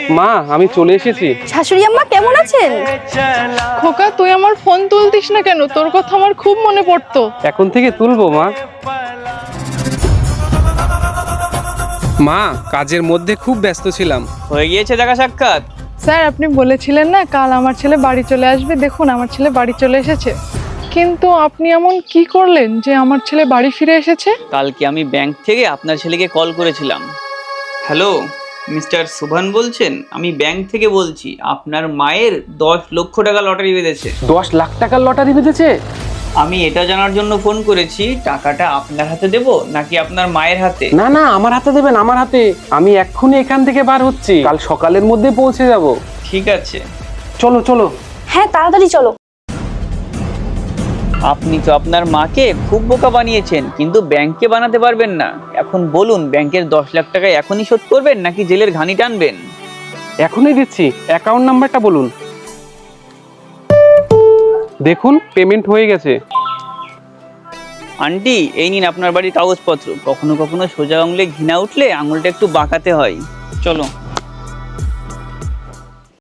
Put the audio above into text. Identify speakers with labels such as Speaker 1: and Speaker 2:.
Speaker 1: মা আমি চলে এসেছি।
Speaker 2: শাশুড়ি আম্মা কেমন আছেন?
Speaker 3: খোকা, তুই আমার ফোন তুলতিস না কেন? তোর কথা আমার খুব মনে পড়তো।
Speaker 1: এখন থেকে তুলবো মা। মা কাজের মধ্যে খুব ব্যস্ত ছিলাম।
Speaker 4: হয়ে গিয়েছে দেখা সাক্ষাৎ?
Speaker 3: স্যার, আপনি বলেছিলেন না কাল আমার ছেলে বাড়ি চলে আসবে। দেখুন, আমার ছেলে বাড়ি চলে এসেছে। কিন্তু আপনি এমন কি করলেন যে আমার ছেলে বাড়ি ফিরে এসেছে?
Speaker 4: কালকে আমি ব্যাংক থেকে আপনার ছেলেকে কল করেছিলাম। হ্যালো, মিস্টার সুভান বলছেন? আমি ব্যাংক থেকে বলছি, আপনার মায়ের 10 লক্ষ টাকা লটারি বেঁধেছে।
Speaker 1: 10 লাখ টাকার লটারি বেঁধেছে?
Speaker 4: আমি এটা জানার জন্য ফোন করেছি, টাকাটা আপনার হাতে দেব নাকি আপনার মায়ের হাতে?
Speaker 1: না না, আমার হাতে দেবেন, আমার হাতে। আমি এক্ষুনি এখান থেকে বার হচ্ছি, কাল সকালের মধ্যে পৌঁছে যাব।
Speaker 4: ঠিক আছে।
Speaker 1: চলো চলো।
Speaker 2: হ্যাঁ, তাড়াতাড়ি চলো।
Speaker 4: আপনি তো আপনার মাকে খুব বোকা বানিয়েছেন, কিন্তু ব্যাংকে বানাতে পারবেন না। এখন বলুন, ব্যাংকের 10 লাখ টাকা এখনই শোধ করবেন নাকি জেলের ঘানি টানবেন?
Speaker 1: এখনই দিচ্ছি, অ্যাকাউন্ট নাম্বারটা বলুন। দেখুন পেমেন্ট হয়ে গেছে।
Speaker 4: আন্টি, এই নিন আপনার বাড়ির কাগজপত্র। কখনো কখনো সোজা আঙুলে ঘৃণা উঠলে আঙুলটা একটু বাঁকাতে হয়। চলো।